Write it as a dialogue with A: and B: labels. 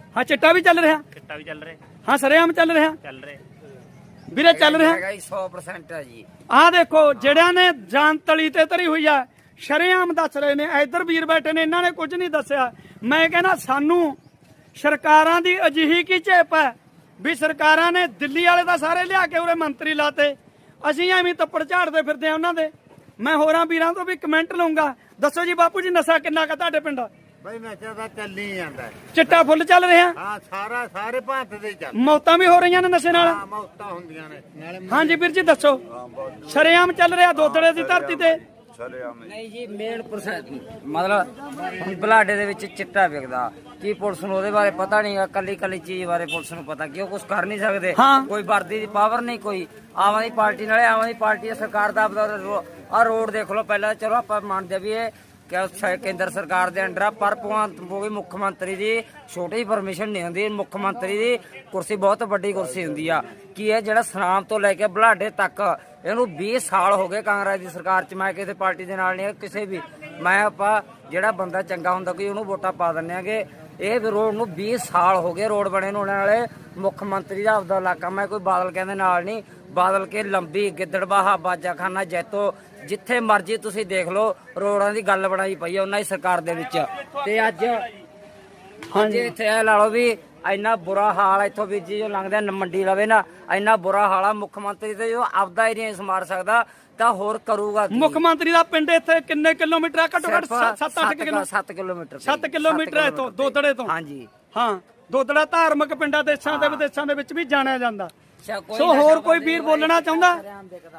A: ਹਾਂ ਚਿੱਟਾ ਵੀ ਚੱਲ ਰਿਹਾ,
B: ਚਿੱਟਾ ਵੀ ਚੱਲ ਰਿਹਾ,
A: ਹਾਂ ਸਰੇਆਮ ਚੱਲ ਰਿਹਾ
B: ਚੱਲ ਰਿਹਾ
A: ਵੀਰੇ, ਚੱਲ ਰਿਹਾ
C: ਹੈਗਾ ਜੀ 100% ਹੈ ਜੀ।
A: ਆਹ ਦੇਖੋ ਜਿਹੜਿਆਂ ਨੇ ਜਾਨ ਤਲੀ ਤੇ ਧਰੀ ਹੋਈ ਆ ਸ਼ਰੇਆਮ ਦੱਸ ਰਹੇ ਨੇ, ਇੱਧਰ ਵੀਰ ਬੈਠੇ ਨੇ, ਇਹਨਾਂ ਨੇ ਕੁਝ ਨਹੀਂ ਦੱਸਿਆ। ਮੈਂ ਕਹਿੰਦਾ ਸਾਨੂੰ ਸਰਕਾਰਾਂ ਦੀ ਅਜਿਹੀ ਕੀ ਝੇਪ ਹੈ ਵੀ ਸਰਕਾਰਾਂ ਨੇ ਦਿੱਲੀ ਵਾਲੇ ਤਾਂ ਸਾਰੇ ਲਿਆ ਕੇ ਉਰੇ ਮੰਤਰੀ ਲਾਤੇ, ਅਸੀਂ ਐਵੇਂ ਤੱਪੜ ਝਾੜਦੇ ਫਿਰਦੇ ਆ ਉਹਨਾਂ ਦੇ। ਮੈਂ ਹੋਰਾਂ ਵੀਰਾਂ ਤੋਂ ਵੀ ਕਮੈਂਟ ਲਊਂਗਾ। ਦੱਸੋ ਜੀ ਬਾਪੂ ਜੀ ਨਸ਼ਾ ਕਿੰਨਾ ਕੁ ਤੁਹਾਡੇ ਪਿੰਡ?
D: ਬਈ ਨਸ਼ਾ ਤਾਂ ਚੱਲੀ ਜਾਂਦਾ,
A: ਚਿੱਟਾ ਫੁੱਲ ਚੱਲ ਰਿਹਾ,
D: ਹਾਂ ਸਾਰੇ ਭਾਰਤ ਦੇ ਚੱਲ,
A: ਮੌਤਾਂ ਵੀ ਹੋ ਰਹੀਆਂ ਨੇ ਨਸ਼ੇ ਨਾਲ।
D: ਹਾਂ ਮੌਤਾਂ ਹੁੰਦੀਆਂ ਨੇ ਨਾਲੇ।
A: ਹਾਂਜੀ ਵੀਰ ਜੀ ਦੱਸੋ, ਸ਼ਰੇਆਮ ਚੱਲ ਰਿਹਾ ਦੋਦੜੇ ਦੀ ਧਰਤੀ ਤੇ?
C: ਨਹੀਂ ਜੀ ਮੇਨ ਮਤਲਬ ਹੁਣ ਬਲਾਡੇ ਦੇ ਵਿੱਚ ਚਿੱਟਾ ਵਿਕਦਾ, ਕੀ ਪੁਲਿਸ ਨੂੰ ਉਹਦੇ ਬਾਰੇ ਪਤਾ ਨਹੀਂਗਾ, ਕੱਲੀ ਚੀਜ਼ ਬਾਰੇ ਪੁਲਿਸ ਨੂੰ ਪਤਾ, ਕਿਉਂ ਕੁਝ ਕਰ ਨਹੀਂ ਸਕਦੇ, ਕੋਈ ਵਰਦੀ ਦੀ ਪਾਵਰ ਨਹੀਂ, ਕੋਈ ਆਮ ਆਦਮੀ ਪਾਰਟੀ ਨਾਲੇ ਆਮ ਆਦਮੀ ਪਾਰਟੀ ਸਰਕਾਰ ਦਾ ਆ ਰੋਡ ਦੇਖ ਲਓ ਪਹਿਲਾਂ, ਚਲੋ ਆਪਾਂ ਮੰਨਦੇ ਵੀ ਇਹ ਕੇਂਦਰ ਸਰਕਾਰ ਦੇ ਅੰਡਰ ਆ, ਪਰ ਭਗਵੰਤ ਮਾਨ ਮੁੱਖ ਮੰਤਰੀ ਦੀ ਛੋਟੀ ਪਰਮਿਸ਼ਨ ਨਹੀਂ ਹੁੰਦੀ, ਮੁੱਖ ਮੰਤਰੀ ਦੀ ਕੁਰਸੀ ਬਹੁਤ ਵੱਡੀ ਕੁਰਸੀ ਹੁੰਦੀ ਆ। ਕੀ ਇਹ ਜਿਹੜਾ ਸਨਾਮ ਤੋਂ ਲੈ ਕੇ ਬਲਾਡੇ ਤੱਕ ਇਹਨੂੰ 20 ਸਾਲ ਹੋ ਗਏ ਕਾਂਗਰਸ ਦੀ ਸਰਕਾਰ ਚ, ਮੈਂ ਕਿਸੇ ਪਾਰਟੀ ਦੇ ਨਾਲ ਨਹੀਂ, ਕਿਸੇ ਵੀ, ਮੈਂ ਆਪਾਂ ਜਿਹੜਾ ਬੰਦਾ ਚੰਗਾ ਹੁੰਦਾ ਕੋਈ ਉਹਨੂੰ ਵੋਟਾਂ ਪਾ ਦਿੰਦੇ ਆਗੇ। ਇਹ ਰੋਡ ਨੂੰ 20 ਸਾਲ ਹੋ ਗਏ ਰੋਡ ਬਣੇ ਨੂੰ, ਉਹਨਾਂ ਨਾਲੇ ਮੁੱਖ ਮੰਤਰੀ ਦਾ ਆਪਦਾ ਇਲਾਕਾ, ਮੈਂ ਕੋਈ ਬਾਦਲ ਕਹਿੰਦੇ ਨਾਲ ਨਹੀਂ, ਬਾਦਲ ਕੇ ਲੰਬੀ ਗਿੱਦੜਬਾਹਾ ਬਾਜਾਖਾਨਾ ਜੈਤੋ ਜਿੱਥੇ ਮਰਜੀ ਤੁਸੀਂ ਦੇਖ ਲਓ ਰੋਡਾਂ ਦੀ ਗੱਲ ਬਣਾਈ ਪਈ ਹੈ ਉਹਨਾਂ ਦੀ ਸਰਕਾਰ ਦੇ ਵਿੱਚ। ਤੇ ਅੱਜ ਇੱਥੇ ਇਹ ਲਾ ਲਓ ਵੀ ਇੰਨਾ ਬੁਰਾ ਹਾਲ, ਇੱਥੋਂ ਵੀ ਜੀ ਜੋ ਲੰਘਦੇ ਮੰਡੀ ਲਵੇ ਨਾ, ਇੰਨਾ ਬੁਰਾ ਹਾਲ ਆ। ਮੁੱਖ ਮੰਤਰੀ ਤੇ ਜੋ ਆਪਦਾ ਏਰੀਆ ਨਹੀਂ ਸੰਭਾਲ ਸਕਦਾ ਤਾਂ ਹੋਰ ਕਰੂਗਾ।
A: ਮੁੱਖ ਮੰਤਰੀ ਦਾ ਪਿੰਡ ਇੱਥੇ ਕਿੰਨੇ ਕਿਲੋਮੀਟਰ ਆ? ਘੱਟੋ ਘੱਟ 7 ਕਿਲੋਮੀਟਰ।
C: 7
A: ਕਿਲੋਮੀਟਰ ਹੈ ਇੱਥੋਂ ਦੋਦੜੇ ਤੋਂ।
C: ਹਾਂਜੀ
A: ਹਾਂ, ਦੋਦੜਾ ਧਾਰਮਿਕ ਪਿੰਡਾਂ ਦੇਸ਼ਾਂ ਦੇ ਵਿਦੇਸ਼ਾਂ ਦੇ ਵਿੱਚ ਵੀ ਜਾਣਿਆ ਜਾਂਦਾ। ਸੋ ਹੋਰ ਕੋਈ ਵੀਰ ਬੋਲਣਾ ਚਾਹੁੰਦਾ?